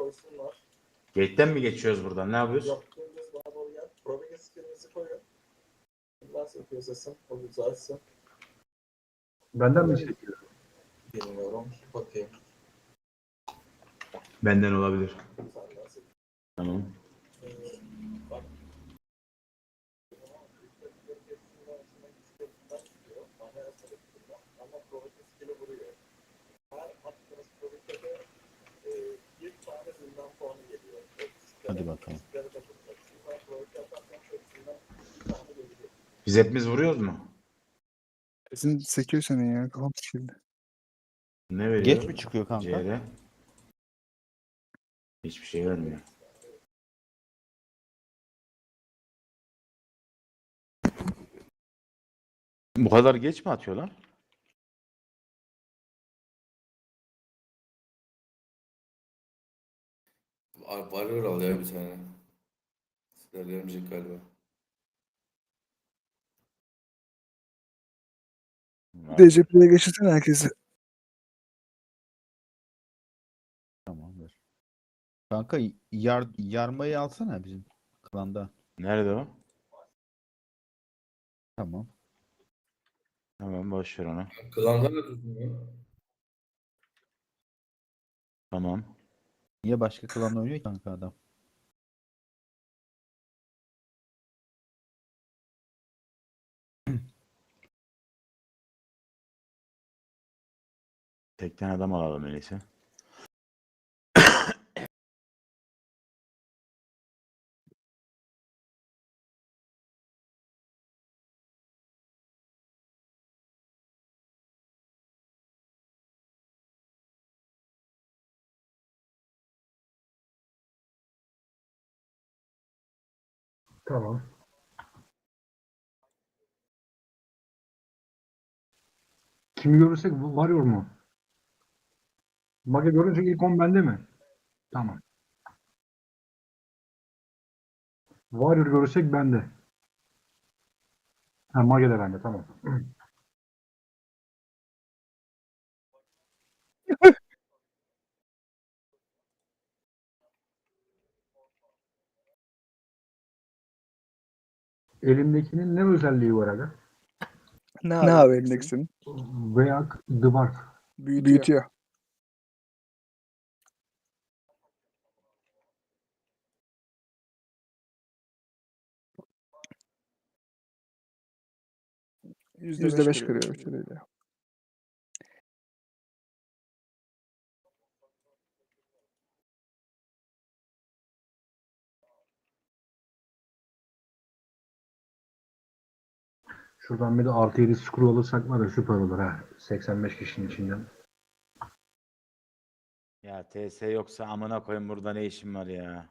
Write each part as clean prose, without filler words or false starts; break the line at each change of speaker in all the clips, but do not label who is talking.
Joyce'un var.
Gate'den mi geçiyoruz buradan? Ne yapıyoruz?
Yok, dümdüz bana doğru gel. Proving skill'inizi koyun. Nasıl yapıyor sesim? O güzelsin.
Benden mi çekiyor?
Bilmiyorum. Bakayım.
Benden olabilir.
Sen nasıl?
Tamam.
Bak. Ama proving skill'i vuruyor. Her attığınız proving'de de bir tane zindan puanı geliyor.
Hadi bakalım.
Biz hepimiz vuruyoruz mu?
Sesin sekiyor senin ya. Kafam sikildi.
Ne veriyor?
Geç mi çıkıyor kanka?
CR. Hiçbir şey vermiyor. Bu kadar geç mi atıyorlar?
Varıyor al ya bir tane. Sizler gelmeyecek galiba.
DCP'ye geçirsene herkesi.
Tamam ver. Kanka yarmayı alsana bizim klanda.
Nerede o?
Tamam.
Tamam, boş ver onu.
Klandan da tutun ya.
Tamam.
Niye başka klanda oynuyor ki kanka adam?
Tekten adam alalım öyleyse.
Tamam. Kimi görürsek varıyor mu? Mage görünce ilk 10 bende mi? Tamam. Warrior görürsek bende. Ha, Mage de bende, tamam. Elimdekinin ne özelliği var aga?
Ne abi endeksin?
Veya Dwarf.
Büyütüyor. %5 kırıyor bir şeyle.
Şuradan bir de artı 7 screw alırsak var ya süper olur ha. 85 kişinin içinden.
Ya TS yoksa amına koyayım, burada ne işim var ya?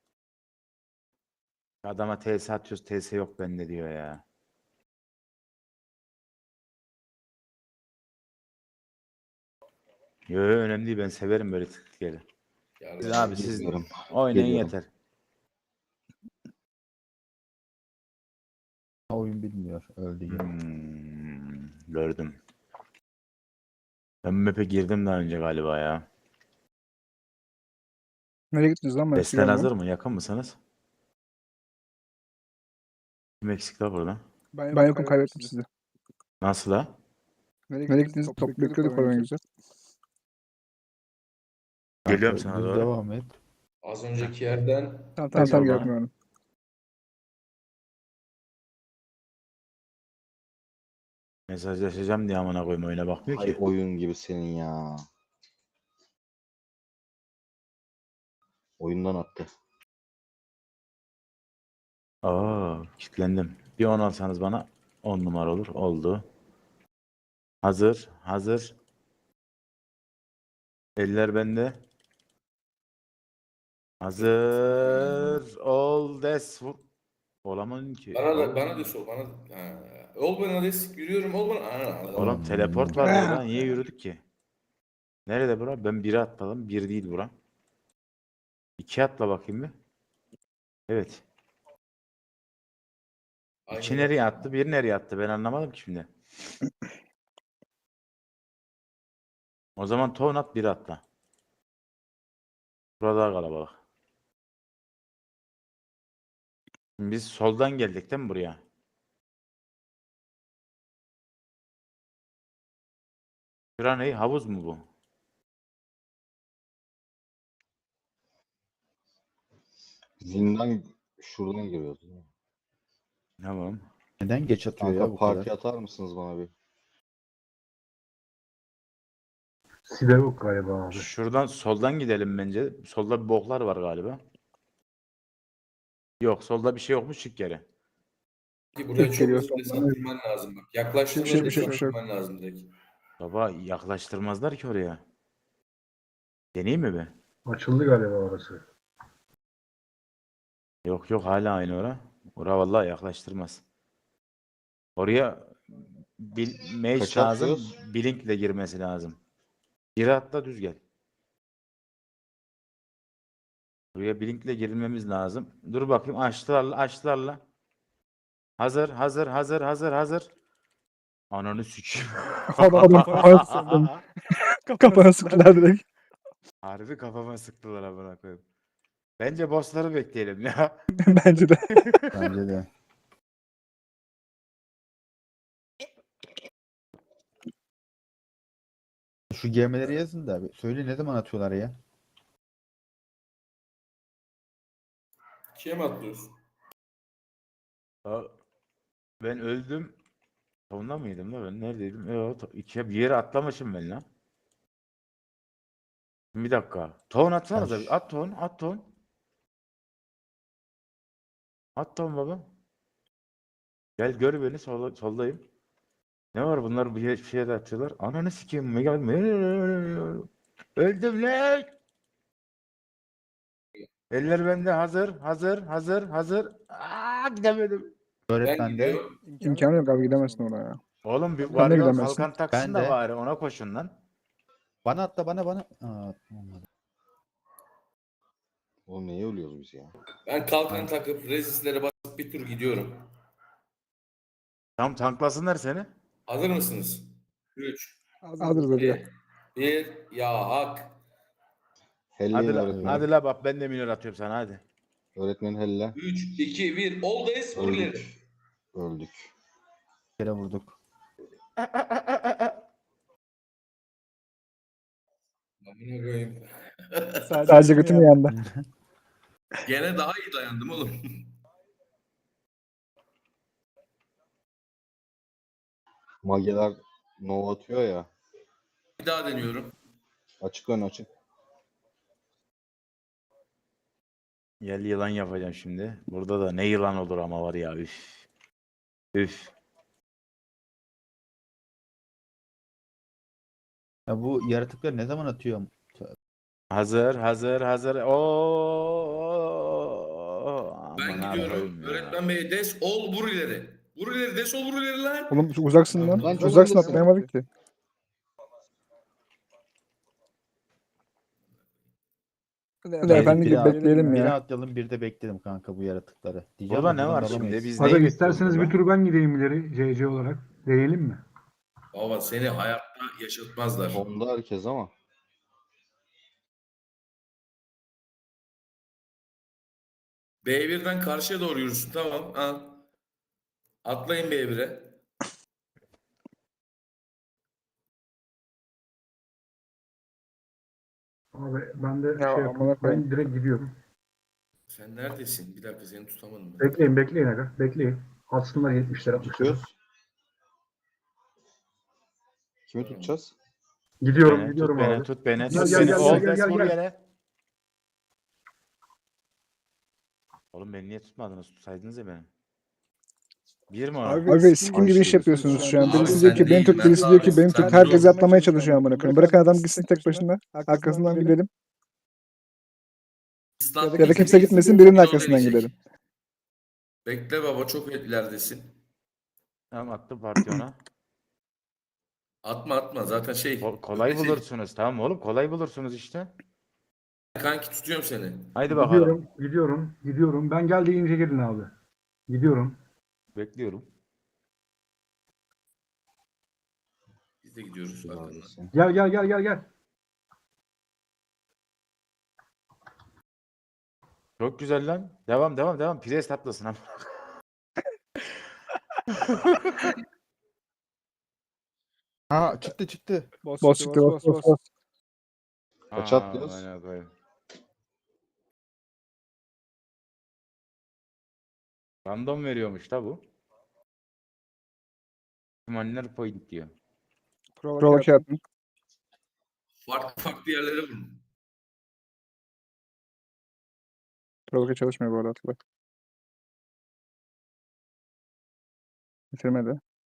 Adama TS atıyoruz, TS yok bende diyor ya. Yo, önemli değil, ben severim böyle tıklıkları.
Gel
Siz
bana.
abi siz
Geliyorum.
oynayın
Geliyorum.
yeter.
Oyun bilmiyor. Öldü ya.
Gördüm. Ben map'e girdim daha önce galiba ya.
Nereye gittiniz lan? Ben sizi
Desten hazır
görmüyorum.
mı? Yakın mısınız? Kim eksik la burada?
Ben yokum, kaybettim sizi.
Nasıl la?
Nereye gittiniz? Top bekliyorduk oraya güzel.
Geliyorum
Kanka,
sana
düz
doğru.
devam et.
Az önceki yerden
Tamam
Tamam.
görmüyorum.
Mesajlaşacağım diye amına koyayım, oyuna bakmıyor
Ay
ki.
oyun gibi senin ya. Oyundan attı.
Kilitlendim. Bir 10 alsanız bana 10 numara olur. Oldu. Hazır. Hazır. Eller bende. Hazır. Ol des. Olamadın ki.
bana da sol bana da. Ha. Ol bana des yürüyorum ol bana. Ha.
Oğlum teleport var burada. Niye yürüdük ki? Nerede bura? Ben 1'e atladım. 1 değil bura. 2 atla bakayım bir. Evet. 2
Aynı
nereye
bak.
attı? 1 nereye attı? Ben anlamadım ki şimdi. O zaman ton at, 1 atla. Burada kalabalık. Şimdi biz soldan geldik değil mi buraya? Şura ne? Havuz mu bu?
Zindan şuradan giriyoruz. Değil mi?
Tamam.
Neden geç atıyor ya
Kanka
bu
parti
kadar?
atar mısınız bana bir?
Siderok galiba abi.
Şuradan soldan gidelim bence. Solda bir boklar var galiba. Yok, solda bir şey yokmuş, çık geri.
Ki buraya
Tek
çok
geliyor
hızlı des
sondan.
attırman lazım bak. Yaklaştığında
Bir
des
şey yok.
attırman lazım direkt.
Baba yaklaştırmazlar ki oraya. Deneyeyim mi be?
Açıldı galiba orası.
Yok yok, hala aynı ora. Ora vallahi yaklaştırmaz. Oraya mage
Kaç
lazım.
atlıyoruz?
Blink'le girmesi lazım. Biri atla düz gel. Buraya Blink'le girilmemiz lazım. Dur bakayım, açtılarla açtılarla. Hazır. Ananı sikeyim.
Adam kafana sıktım. Kafana sıktılar direkt.
Harbi kafama sıktılar amına koyayım. Bence bossları bekleyelim ya.
Bence de.
Bence de. Şu gemileri yazın da abi. Söyle ne zaman atıyorlar ya?
İkiye mi atlıyorsun?
Aa, ben öldüm. Sonunda mıydım da ben neredeydim? Evet, ikiye bir yere atlamışım ben lan. Bir dakika. Ton atsanıza.
Taş.
At ton, at ton. At ton baba. Gel gör beni, soldayım. Ne var bunlar, bir şeye de atıyorlar. Ananı sikeyim. Öldüm lan. Eller bende, hazır. Aa, gidemedim.
Ben
Öğretmen de.
gidiyorum.
İmkanı yok abi gidemezsin oraya.
Oğlum bir
Sen de
varıyor,
gidemezsin.
kalkan taksın
Ben
da
de.
bari, ona koşun lan.
Bana atla bana. Aa, olmadı.
Oğlum neye ölüyoruz biz ya?
Ben kalkan takıp rezislere basıp bir tur gidiyorum.
Tam tanklasınlar seni.
Hazır mısınız? 3,
Hazırız hadi.
2, 1. Ya hak.
Helleyin
Hadi
öğretmenim.
la bak, ben de minör atıyorum sana, hadi.
Öğretmenin helle.
3, 2, 1. Oldayız. Vur ileri.
Öldük. Öldük.
Bir kere vurduk.
Amına koyayım.
Sadece götüm yandı.
Gene daha iyi dayandım oğlum.
Mageler nova atıyor ya.
Bir daha deniyorum.
Açık ön açık.
Gel yılan yapacağım şimdi. Burada da ne yılan olur ama var ya, üf. Üf.
Ya bu yaratıkları ne zaman atıyor?
Hazır.
Ben
Aman
gidiyorum.
koyayım ya.
Öğretmen bey des ol vur ileri. Vur ileri des ol vur ileri lan.
Oğlum uzaksın lan.
Lan çok
Uzaksın
hızlısın.
atlayamadık ki. Hadi efendi gibi bekleyelim
Biri
ya.
atlayalım bir de bekleyelim kanka bu yaratıkları. Diyeceğim
Burada
de
ne
buradan
var şimdi?
dalamayız.
Biz
Aga
neyi
isterseniz
bekliyoruz
bir
burada?
tur ben gideyim ileri CC olarak. Deneyelim mi?
Baba seni hayatta yaşatmazlar.
Onda herkes ama.
B1'den karşıya doğru yürüsün tamam. Al. Atlayın B1'e.
Abi ben de
Ya
şey
amına
yapayım.
koyayım.
Ben direkt gidiyorum.
Sen neredesin? Bir dakika seni tutamadım ben.
Bekleyin aga. Bekleyin. Atsınlar 70'ler 60'lar.
Tutuyoruz. Kimi tutacağız?
Gidiyorum
Tut beni,
abi.
tut beni.
Gel,
Ol
gel,
des vur
gel.
yere. Oğlum beni niye tutmadınız? Tutsaydınız ya beni. Bir mi o?
Abi sikim gibi iş yapıyorsunuz şu an.
Abi
Birisi
sen
diyor ki beni
değil,
tut,
ben
birisi diyor ki
sadece
beni tut.
sen
Herkes
dur.
atlamaya çalışıyor amına koyayım. Bırakın adam gitsin tek başına. Arkasından gidelim. Ya da kimse gitmesin birinin arkasından gidelim.
Bekle baba çok ileridesin.
Tamam, attım parti ona.
Atma zaten
Kolay
ötesi.
bulursunuz, tamam oğlum, kolay bulursunuz işte.
Kanki tutuyorum seni.
Haydi bakalım.
Gidiyorum. Ben gel deyince gelin abi. Gidiyorum.
Bekliyorum.
Biz de gidiyoruz arkandan.
Neredesin?
Gel.
Çok güzel lan. Devam devam devam. Pires tatlasın ama.
Ha çıktı çıktı.
Bas çıktı bas.
Kaç atlıyoruz?
Aynen öyle. Random veriyormuş da bu. İhtimaller point diyor.
Provoke attım.
Farklı farklı yerlere vurun.
Provoke çalışmıyor bu arada Atilla. Bitirmedi.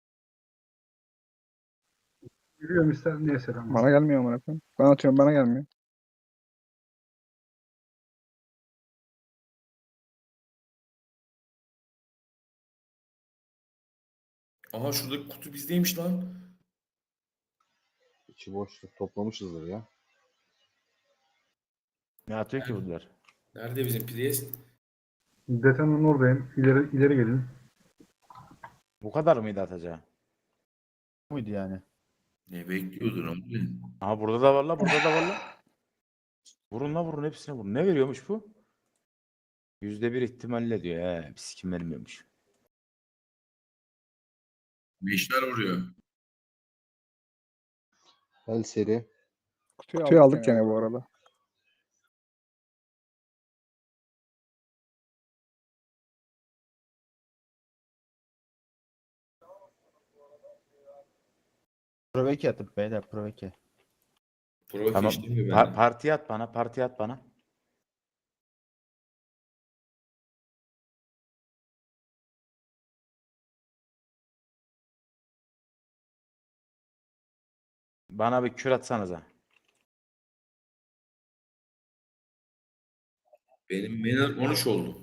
Yürüyorum ister neyse tamam.
Bana gelmiyor amına koyayım. Ben atıyorum bana gelmiyor.
Aha şuradaki kutu bizdeymiş lan.
İçi boşluk toplamışızdır ya.
Ne atıyor ki bunlar?
Nerede bizim Priest?
Detanın oradayım. İleri gelin.
Bu kadar mıydı atacağı?
Buydu yani.
Ne bekliyordun ama?
Aha burada da var la, burada da var la. Vurun la, vurun, hepsine vurun. Ne veriyormuş bu? %1 ihtimalle diyor. Bir sikim vermiyormuş.
Meşler vuruyor.
El seri.
Kutuyu aldık gene bu arada.
Proveke atıp beyler proveke.
Provoke
Tamam.
işte mi bende?
Parti at bana, parti at bana. Bana bir kür atsanıza.
Benim Manor 13 oldu.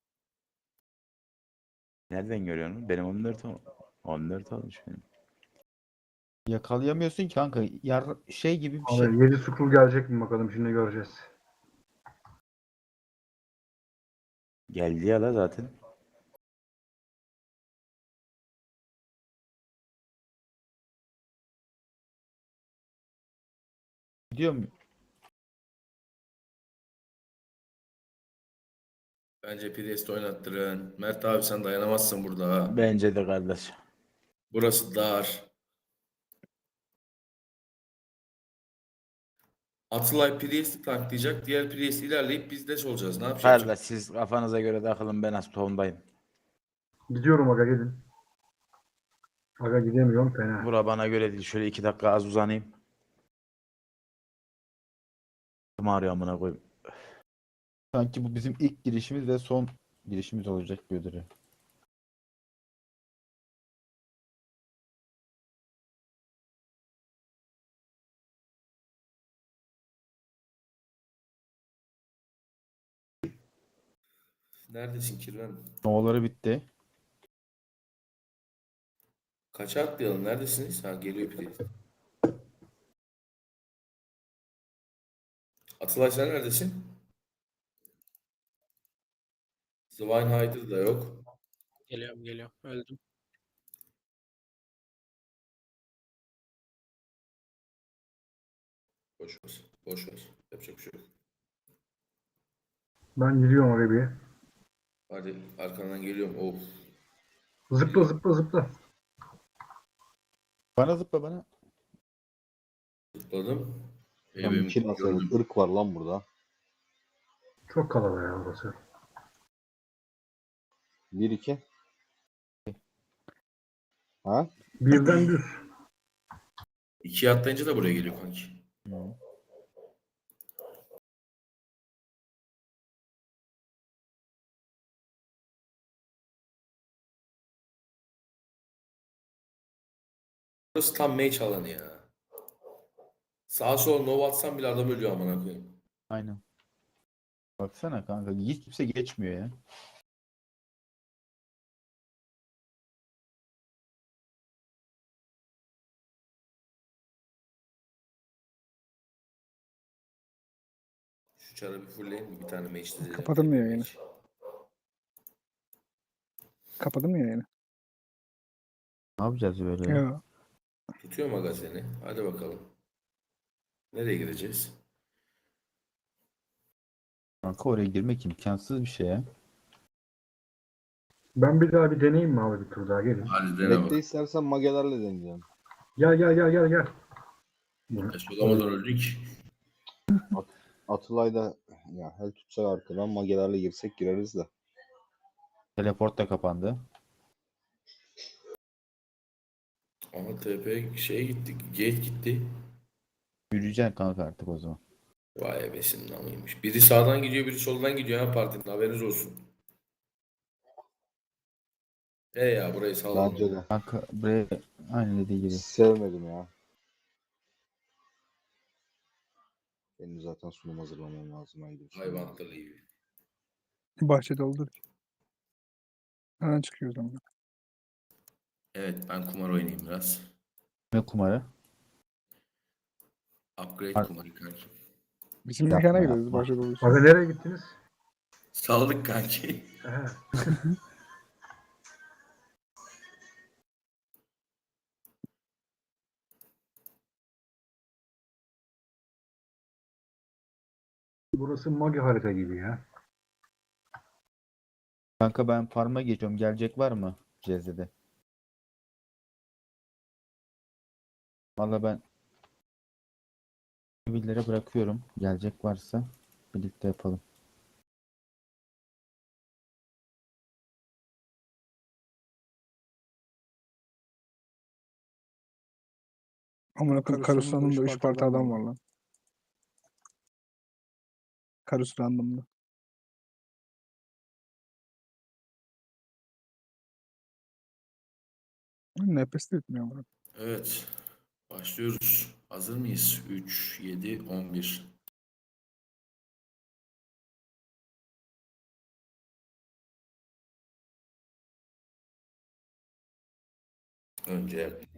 Nereden görüyorsun? Benim 14 olmuş benim.
Yakalayamıyorsun ki kanka. Şey gibi bir şey.
Abi 7 scroll gelecek mi bakalım şimdi göreceğiz.
Geldi ya la zaten.
Gidiyor mu?
Bence Priest oynattırın. Mert abi sen dayanamazsın burada ha.
Bence de kardeş.
Burası dar. Atılay Priest'i tanklayacak. Diğer Priest ilerleyip biz de olacağız. Ne yapacağız?
Kardeş siz kafanıza göre takılın, ben az tohumdayım.
Gidiyorum aga gidin. Aga gidemiyorum fena.
Bura bana göre değil. Şöyle 2 dakika az uzanayım. Kim arıyor amına koyayım.
Sanki bu bizim ilk girişimiz ve son girişimiz olacak bir ödülü.
Neredesin Kirven?
Novaları bitti.
Kaça atlayalım? Neredesiniz? Ha geliyor Priest. Atılay sen neredesin? Zwinehider da yok.
Geliyorum. Öldüm.
Boş ver. Boş ver. Yapacak bir şey yok.
Ben gidiyorum aga bir.
Hadi arkandan geliyorum. Of.
Zıpla zıpla zıpla.
Bana zıpla bana.
Zıpladım.
Tam
Benim
kill atalım.
gördüm.
Irk var lan burada.
Çok kalabalık ya burası.
1-2. Ha?
Birden düz.
2'ye atlayınca da buraya geliyor kanki.
Hı.
Burası tam mage alanı ya. Sağa sola nova atsam bile adam ölüyor amına koyayım.
Aynen. Baksana kanka hiç kimse geçmiyor ya.
Şu çarı bir fullleyin mi? Bir tane mage dizeceğim.
Kapadın mı
Full
yayını?
mage.
Kapadın mı yayını?
Ne yapacağız böyle ya?
Ya.
Tutuyor magazini. Hadi bakalım. Nereye gideceğiz?
Kanka oraya girmek imkansız bir şey ya.
Ben bir daha bir deneyeyim mi abi bir tur daha gelin.
Hadi dene
Bekle
bak.
istersen magelerle deneyeceğim.
Gel. Bunu-
Solamadan öldük.
Atılay da ya hel tutsak arkadan magelerle girsek gireriz de.
Teleport da kapandı.
Ama TP şeye gitti. Gate gitti.
Yürüyeceksin kanka artık o zaman.
Vay ebesin namıymış. Biri sağdan gidiyor, biri soldan gidiyor ha partinin. Haberiniz olsun. Ya burayı sallalım.
Bence de.
Kanka buraya aynı dediği gibi.
Sevmedim ya. Benim zaten sunum hazırlamam lazım. Haydi.
Hayvan akıllı gibi.
Bahçede olur. Hemen çıkıyoruz ama.
Evet ben kumar oynayayım biraz.
Ne kumarı?
Upgrade kumarı kanki.
Bizim
Yapma,
mekana gideriz
yapma.
bahçede olursa.
Abi nereye gittiniz?
Saldık kanki.
He. Burası magi harita gibi ya.
Kanka ben farm'a geçiyorum. Gelecek var mı CZ'de? Valla ben sivillere bırakıyorum. Gelecek varsa birlikte yapalım.
Amına koyayım Karus Random'da 3 parti adam var lan. Karus Random'da. Nefes de etmiyor amına.
Evet. Başlıyoruz. Hazır mıyız? 3, 7, 11. Önce